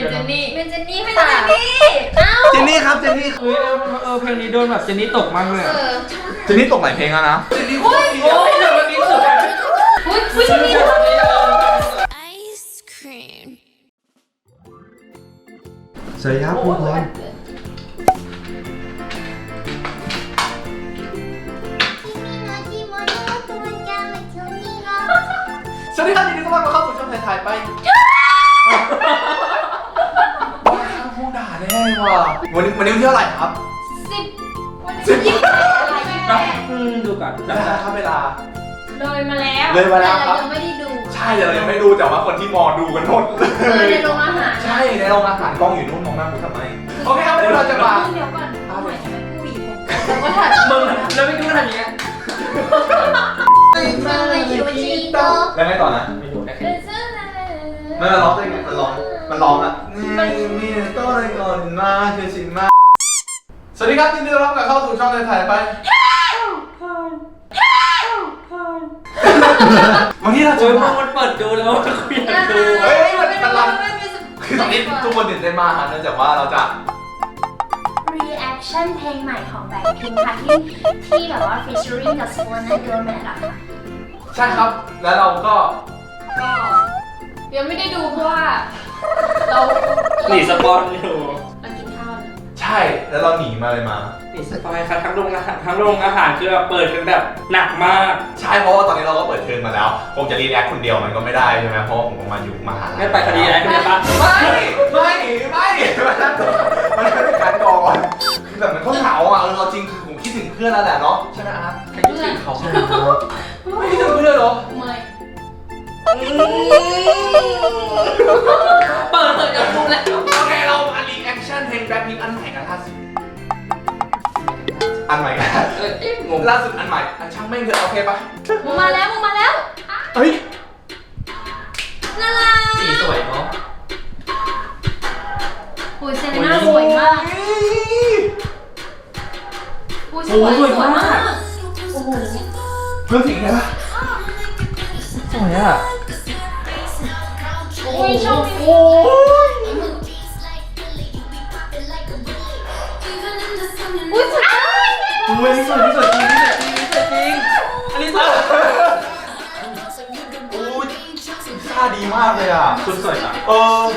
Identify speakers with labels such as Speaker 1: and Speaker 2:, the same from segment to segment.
Speaker 1: เป็นเจนนี่ให้เจนนี่
Speaker 2: เจนนี่ครับเจนนี่
Speaker 3: เพลงนี้โดนแบบเจนนี่ตกมากเลย
Speaker 2: เจนนี่ตกหลายเพลงแล้วนะเจนนี่โอ้ย
Speaker 3: โอ้ยเดี๋ยววันนี้สุด
Speaker 1: อุ้ยเจนนี่
Speaker 2: สวัสดีครับทุกคนสวัสดีครับยินดีต้อนรับเข้าสู่ช่องถ่ายไปว้าวพูดด่าแน่ว่ะวันนี้เที่ยวอะไรครับ10
Speaker 3: ดูก่อน
Speaker 2: นะครับเวลา
Speaker 1: เลยมาแล้ว
Speaker 2: เลยมาแล้วครับ
Speaker 1: ยังไม่ได้ดู
Speaker 2: ใช่แต่เรายังไม่ดูแต่ว่าคนที่มอดูกันหมดเลย
Speaker 1: ในโรงอาหาร
Speaker 2: ใช่ในโรงอาหารกล้องอยู่นู่นมองหน้ากูทำไมโอเคครับวันนี้เราจะมา
Speaker 1: เดี๋ยวก่อนเอาใหม่ทำไมผู้หญิงแล้วก็ถ่าย
Speaker 3: มึงแล้วไม่ดูทำอย่างเงี้ย
Speaker 2: แล้วไงต่อนะ
Speaker 3: ไม่ดูได้แค่
Speaker 2: มันร้องได้ไงมันร้องอ่ะนี่ต้นก่อนมาเชื่อชิมมาสวัสดีครับยินดีต้อนรับเข้าสู่ช่องถ่ายไปวันนี้เราจะ
Speaker 3: โอ้ย
Speaker 2: มา
Speaker 3: มันเปิดดูแล้วคุยกันดู
Speaker 2: เฮ้ยมันรันคือตอนนี้ทุกคนตื่นเต้นมากครับเนื่องจากว่าเราจะ
Speaker 4: reaction เพลงใหม่ของ Blackpink ค่ะที่แบบว่า featuring กับ Swan and Gomez อะค่ะ
Speaker 2: ใช่ครับแล้วเราก็
Speaker 1: ยังไม่ได้ดูเพราะว่าเรา
Speaker 3: หนีสปอนอยู่
Speaker 1: เรากินข้าว
Speaker 2: ใช่แล้วเราหนีมาเลยมา
Speaker 3: หนีสปอยค่ะทั้งโรงอาหารคือแบบเปิดกันแบบหนักมาก
Speaker 2: ใช่เพราะว่าตอนนี้เราก็เปิดเทอมมาแล้วคงจะรีแอคคนเดียวมันก็ไม่ได้ใช่ไหมเพราะว่าผมก็มาอยู่มหาลัย
Speaker 3: ไม่ไปคดีอะไรกันเลยปะ
Speaker 2: ไม่มันเป็นการก่อนคือแบบมันก็เหงาอ่ะเราจริงคือผมคิดถึงเพื่อนแล้วแหละเนาะใช่ไหมอาร์ต
Speaker 3: ใครคิดถึงเขา
Speaker 2: ไม่คิดถึงเพื่อนเหรอ
Speaker 1: ไม่
Speaker 3: เปิดเถอะจะดูแล้ว
Speaker 2: โอเคเรามารีแอคชั่นเพลงแบล็คพิงค์อันใหม่กันล่าสุดอันใหม่กัน
Speaker 3: งง
Speaker 2: ล่าสุดอันใหม่ช่างแม่งเถอะโอเคปะ
Speaker 1: มึงมาแล้ว
Speaker 2: เฮ้ย
Speaker 1: น่ารัก
Speaker 3: สีสวยเนาะ
Speaker 1: โอ้ยเซเลน่าสวยมากโอ้ยสวยมากโอ้โห
Speaker 2: เพื่อนสิงห์ใช่ปะ
Speaker 3: สวยอ่ะ
Speaker 1: โอ้ยชอบ
Speaker 2: โอ้ย
Speaker 1: อุ้ยสวย
Speaker 3: เว้ยสวยจริงอันนี้สวย
Speaker 2: โอ้ยท่าดีมากเลยอ่ะ
Speaker 3: คุณสวยอ่ะ
Speaker 2: โอ้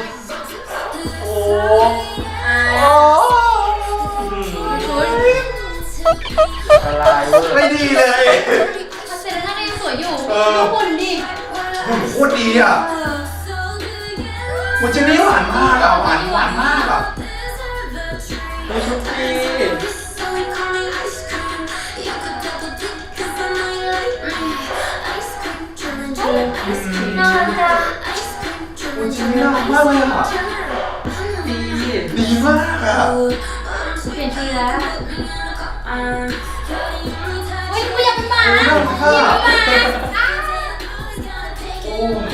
Speaker 3: ละลายเวอร์
Speaker 2: ไม่ดีเลย
Speaker 1: เซเลน่าก็ยังสวยอยู่ดูหุ่นดิ
Speaker 2: โคตรดีอ่ะมันจะนี่หวานมากอ่ะหวานมากอ่ะ
Speaker 3: เฮ้ยชุดดี
Speaker 1: น่ารัก
Speaker 2: มันจะนี่น่ารักมากเลยอ่ะ
Speaker 3: ดี
Speaker 2: ดีมากอ่ะ
Speaker 1: เปลี่ยนชุดแล้วอุ้ยกูอยากเป็นหมา
Speaker 2: น่ารักค่ะโอ้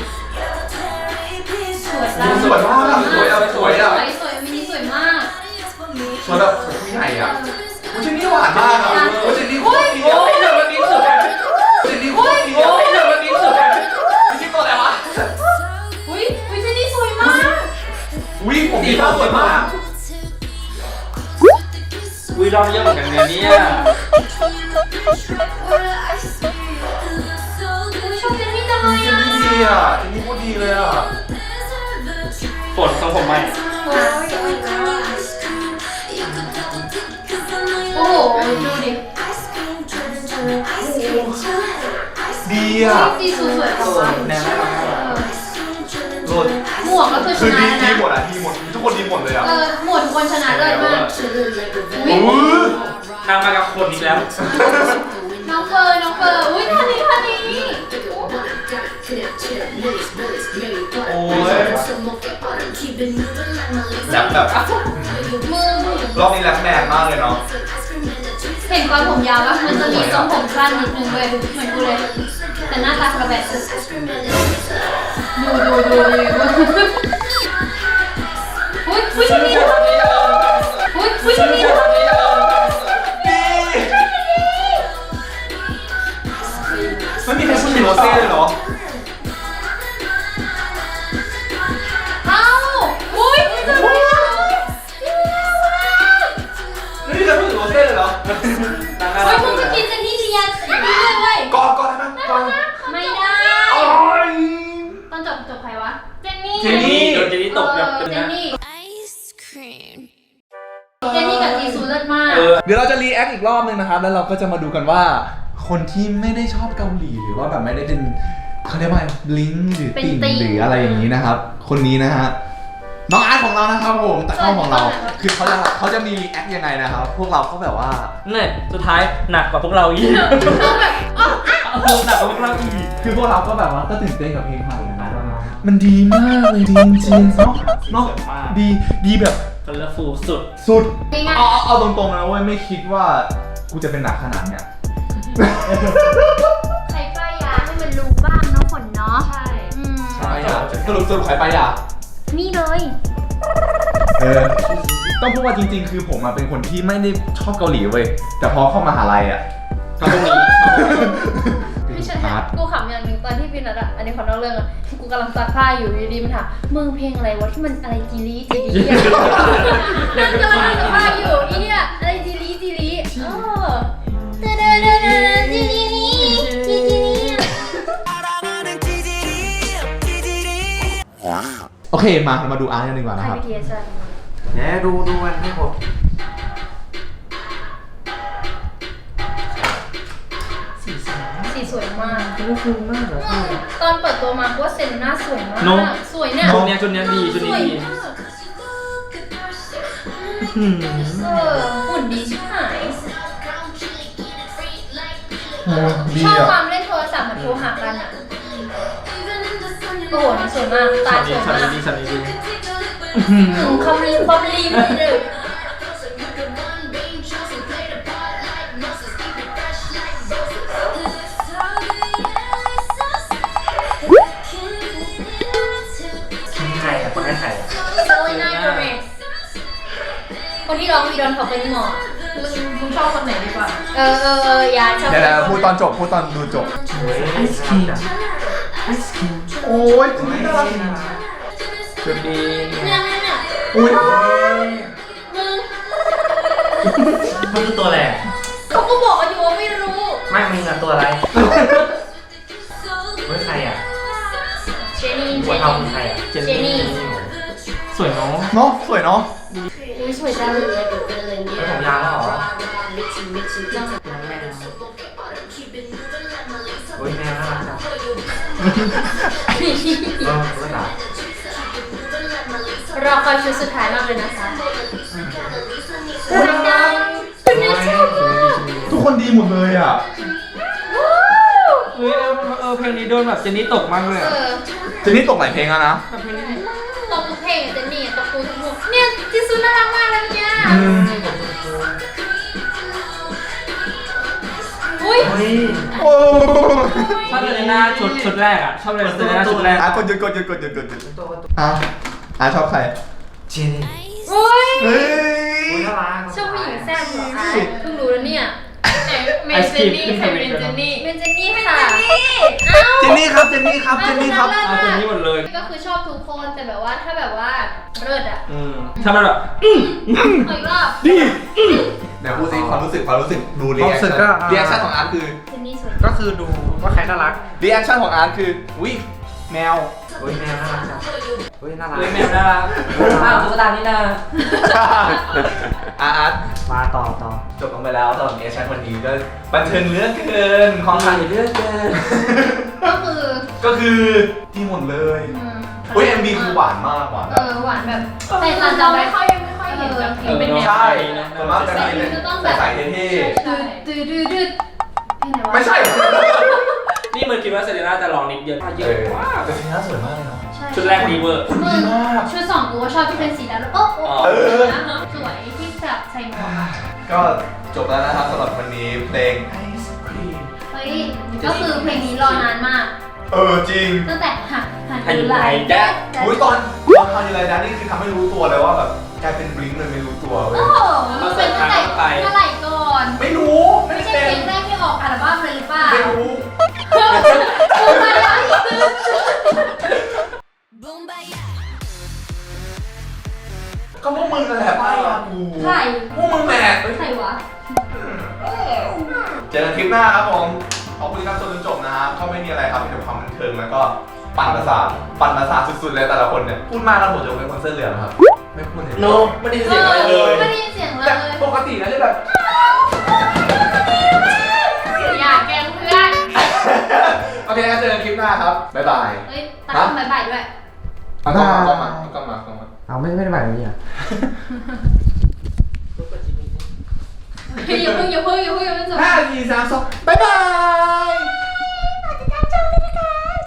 Speaker 1: สวย
Speaker 2: สวยมากอ่ะสวยอ่ะสวยอ่ะ
Speaker 1: สวยมินิสวยมาก
Speaker 2: สวยแบบสวยผู้ใหญ่อ่ะมันจะนี่หวานมากอ่ะมันจะนี่โคตรดี
Speaker 3: โอ้
Speaker 2: อ่ะ
Speaker 3: ยเดี๋ยววันนี้สุด
Speaker 2: มันจะนี่โคตรดีอ่ะ
Speaker 3: โอ้ยเดี๋ยววันนี้สุด
Speaker 2: ไม่ใช่ตัวอะไรวะ
Speaker 1: อุ้ยเจนนี่สวยมาก
Speaker 2: วิ่งผมดีมากสวยมาก
Speaker 3: วิลองเยอะเหมือนกันเนี่ย
Speaker 1: ชอบเจนนี่จังเลย
Speaker 2: เจน
Speaker 1: อ่ะ
Speaker 2: นี่ดีอ่ะเจนนี่โคตรดีเลยอ่ะ
Speaker 3: ฝนทรงผมใหม่
Speaker 1: โอ้โหดูดิ
Speaker 2: ดีอ่ะ
Speaker 1: สีสวยๆของมัน
Speaker 3: แนวน่ารัก
Speaker 2: โลด
Speaker 1: หมวกก็คือช
Speaker 2: คือ
Speaker 1: นะ
Speaker 2: ดี
Speaker 1: นะ
Speaker 2: หมดอ่ะดีหมดทุกคนดีหมดเลยอ่ะ
Speaker 1: หมวดคนชนะเลยมาก
Speaker 2: โอ้ย
Speaker 3: ทางมากับคนอีกแล้ว
Speaker 1: น้องเฟิร์นอุ้ยท่านี้
Speaker 2: โอ้ยแรปแบบ
Speaker 1: มือ
Speaker 2: รอบนี้แรปแมนมากเลยเนาะ
Speaker 1: เห็นตอนผมยาวแล้วมันจะมีทรงผมสั้นนิดนึงเลยเหมือนกูเลยแต่หน้าตากระแบบดูอุ้ยชนี่อุ้ยชนี่
Speaker 2: ไม่มีใครพูดถึงโรเซ่เลยเหรอ
Speaker 1: เอ้าอุ้ยสเจนนี่เจนนี่กับจีซูเลิศมาก
Speaker 2: เดี๋ยวเราจะรีแอคอีกรอบนึงนะครับ แล้วเราก็จะมาดูกันว่า คนที่ไม่ได้ชอบเกาหลีหรือว่าแบบไม่ได้เป็นเขาเรียกว่าลิงก์หรือติ่งหรืออะไรอย่างนี้นะครับ คนนี้นะฮะน้องอาร์ตของเรานะครับผมตะเข้าของเรา คือเขาจะมีรีแอคยังไงนะครับ พวกเราก็แบบว่า
Speaker 3: เนี่ยสุดท้ายหนักกว่าพวกเราอีกหนักกว่าพวกเราอีก
Speaker 2: คือพวกเราก็แบบว่าก็ตื่นเต้นกับเพลงใหม่นะมันดีมากเลยดีจริงๆเนาะดีแบบ
Speaker 3: คัลเลอร์ฟูลสุด
Speaker 2: สุดเอาตรงๆนะเว้ยไม่คิดว่ากูจะเป็นหนักขนาดเนี้ย
Speaker 4: ใครป้ายยาให้มันรู้บ้างเนาะฝนเนาะ
Speaker 1: ใช่
Speaker 2: ใช่สรุปใครไปอ่ะ
Speaker 4: นี่เลย
Speaker 2: ต้องพูดว่าจริงๆ คือผมเป็นคนที่ไม่ได้ชอบเกาหลีเว้ยแต่พอเข้ามหาลัยอ่ะก็ตรงนี้
Speaker 1: พี่ฉันกูขำอย่างหนึ่งตอนที่พี่นัดอ่ะอันนี้ขอนอกเรื่องอ่ะกูกำลังซักผ้าอยู่ดีๆมันถามมึงเพลงอะไรวะที่มันอะไรจีรีอ่ะนั่งกำลังซักผ้าอยู่อีเนี่ยอะไรจีรีจีรี
Speaker 2: โอเคมาเรามาดูอาร์ตกันดีกว่า
Speaker 1: ใคร
Speaker 2: นะครับ
Speaker 1: พีเอสใช่
Speaker 3: เนี่ยดูกันให้ผม
Speaker 1: สีสวยมาก
Speaker 3: ดูฟูมากเหรอ
Speaker 1: ตอนเปิดตัวมาว่าเซนน่าสวยมากสวยเนี่ย
Speaker 3: ชุดเนี้ยดีชุดนี้ดี
Speaker 1: หุ่นดีชิบหาย
Speaker 2: ดี
Speaker 1: ชอบค
Speaker 2: อ่ะ
Speaker 1: วามเล่นโทรศัพท์เหมือนโทรหากันอ่ะโอ้โหสวยมากตาสวยมาก
Speaker 3: ดี
Speaker 1: ความรีบเลย
Speaker 3: ใครอ่ะคนให้ใครอ่ะ
Speaker 1: เซเลน่าโกเมสคนที่ร้องวีดอนเขาเป็นหมอมึงชอบคนไหนดีกว่ายาชอบ
Speaker 2: เดี๋ยวพูดตอนจบพูดตอนดูจบ
Speaker 3: ไอศครีม
Speaker 2: โอ้ยจริงน่ารัก
Speaker 3: ชุดดี
Speaker 1: เนี่ย
Speaker 2: อุ้ย
Speaker 1: มึง
Speaker 3: มันคือตัวอะไร
Speaker 1: เขาก็บอกอยู่ว่าไม่รู้
Speaker 3: ไม่มึงอะตัวอะไรเฮ้ยใครอ่ะ
Speaker 1: เจนี่
Speaker 3: หัวเทาคือใครอ่ะ
Speaker 1: เจนี่
Speaker 3: สวยเนาะ
Speaker 2: เนาะสวยเนาะ
Speaker 1: อุ้ยสวยจัง
Speaker 3: แล้วผมยาวแล้วเหรอโอ้ยแมวน่ารักจังก็หนา
Speaker 1: รอคอยชุดสุดท้ายมากเลยนะคะ
Speaker 2: ทุกคนดีหมดเลยอ่ะ
Speaker 3: เฮ้ยเพลงนี้โดนแบบเจนนี่ตกมากเลยอ่ะ
Speaker 2: เจนนี่ตกหลายเพลงแล้วนะ
Speaker 3: แบบเพลงนี้
Speaker 1: ตบทุกเพลงเจนนี่ตบกูทุกมุกเนี่ยจิซุน่ารักมากเลยเนี่ยอุ้ย
Speaker 3: เฮ้ย
Speaker 2: โอ้
Speaker 3: ชอบเซเลน่าชุดแรกอ่ะชอบเลยเซเลน่าชุดแรก
Speaker 2: อาร์ตกดหยุดอ่ะชอบใคร
Speaker 3: เจนนี่
Speaker 1: อุ้ย
Speaker 2: เฮ้ย
Speaker 3: น่ารัก
Speaker 1: ชอบผู้หญิงแซ่บเหรอคะเพิ่งรู้แล้วเนี่ย
Speaker 3: เมนเจนนี่ใครเป็นเจนนี่
Speaker 1: เป็นเจนนี่ค่ะเอ้า
Speaker 2: เจนนี่ครับเจนนี่ครับ
Speaker 3: เอาเจนนี่หมดเลย
Speaker 1: ก็คือชอบทุกคนแต่แบบว่าถ้าแบบว่าเลิศอ่ะ
Speaker 3: ถ้ามันแบบ
Speaker 1: เอาอีกรอบ
Speaker 2: ดีเดี๋ยวพูดสิความรู้สึกดูรีแอคชั่นของอาร์ตคือ
Speaker 1: เจนนี่สวย
Speaker 3: ก็คือดูว่าใครน่ารัก
Speaker 2: รีแอคชั่นของอาร์ตคือวิแมว
Speaker 3: เฮ้ยแมวน่ารักจังเฮ้ยน่ารักแมวน่ารักอ้าวตุ๊กตานี่นา
Speaker 2: อาร์ต
Speaker 3: มาต่อ
Speaker 2: จบลงไปแล้วสำหรับรีแอคชั่นวันนี้ก็บันเทิงเหลือเกินของใคร
Speaker 3: เลือกเกิน
Speaker 1: ก็คือ
Speaker 2: ที่หมดเลยอุ้ย MV คือหวานมากหวานแบบ
Speaker 1: หวานแบบแต่เราไม่ค่อยเห็นแบบเพลงเป็นแนว
Speaker 2: ใช่ส่วนมากจะมีใส่เท่
Speaker 1: ดืดๆ
Speaker 2: ไม่ใช่
Speaker 3: นี่มันคิดว่าเซเลน่าจะลองนิดเดียวเยอะมาก
Speaker 2: แต่สีหน้าสวยมากเลยเนาะ
Speaker 3: ชุดแรกดีเวอร์
Speaker 2: ดีมาก
Speaker 1: ชุดสองกูว่าชอบที่เป็นสีดำแล้วโอ้สวยที่แบบใส่หมวก
Speaker 2: ก็จบแล้วนะครับสำหรับวันนี้เพลง
Speaker 1: เฮ้ยก็คือเพลงนี้รอนานมาก
Speaker 2: จริง
Speaker 1: ตั้งแต่หัน
Speaker 3: ไหลแจ๊ก
Speaker 2: อุ้ยตอนทำอะไรนะนี่คือทำให้รู้ตัวเลยว่าแบบกลายเป็นบลิงค์เลยไม่รู้ตัวเว้ย
Speaker 1: โอ้โหมันเป็นตั้งแต่เมื่อไหร่ก่อน
Speaker 2: ไม่รู้ไม่
Speaker 1: ไม่
Speaker 2: ได้
Speaker 1: ใช่
Speaker 2: เป็น
Speaker 1: เพลงแรกที่ออกอัลบั้มเลยหรือเปล่า
Speaker 2: ไม่รู้ก็พวกมึงนั่นแหละป้ายากู
Speaker 1: ใคร
Speaker 2: พวกมึงแหละ
Speaker 1: ใครวะ
Speaker 2: เจอกันคลิปหน้าครับผมขอบคุณที่รับชมจนจบนะครับก็ไม่มีอะไรครับมีแต่ความบันเทิงแล้วก็ปั่นประสาทสุดๆเลยแต่ละคนเนี่ยพูดมากแล้วผมจะเป็นคนเสื้อเหลืองครับไม่พูดเลย
Speaker 3: โนไม่ได้ยินเสียงอะไรเลย
Speaker 1: ไม่ได้ยินเสียงเล
Speaker 2: แต่
Speaker 1: ย
Speaker 2: ปกตินะจะแบบ
Speaker 1: อย่าแกล้งเพื่อน
Speaker 2: โอเคงั้นเจอกันคลิปหน้าครับบ๊ายบาย
Speaker 1: เฮ้ยตาบ๊ายบายด้วย
Speaker 2: เอากล้องมา
Speaker 5: เอาไม่ได้แบบนี้อ่ะ
Speaker 1: อย่าเพิ่งจบ
Speaker 2: 5 4 3 2บ๊ายบาย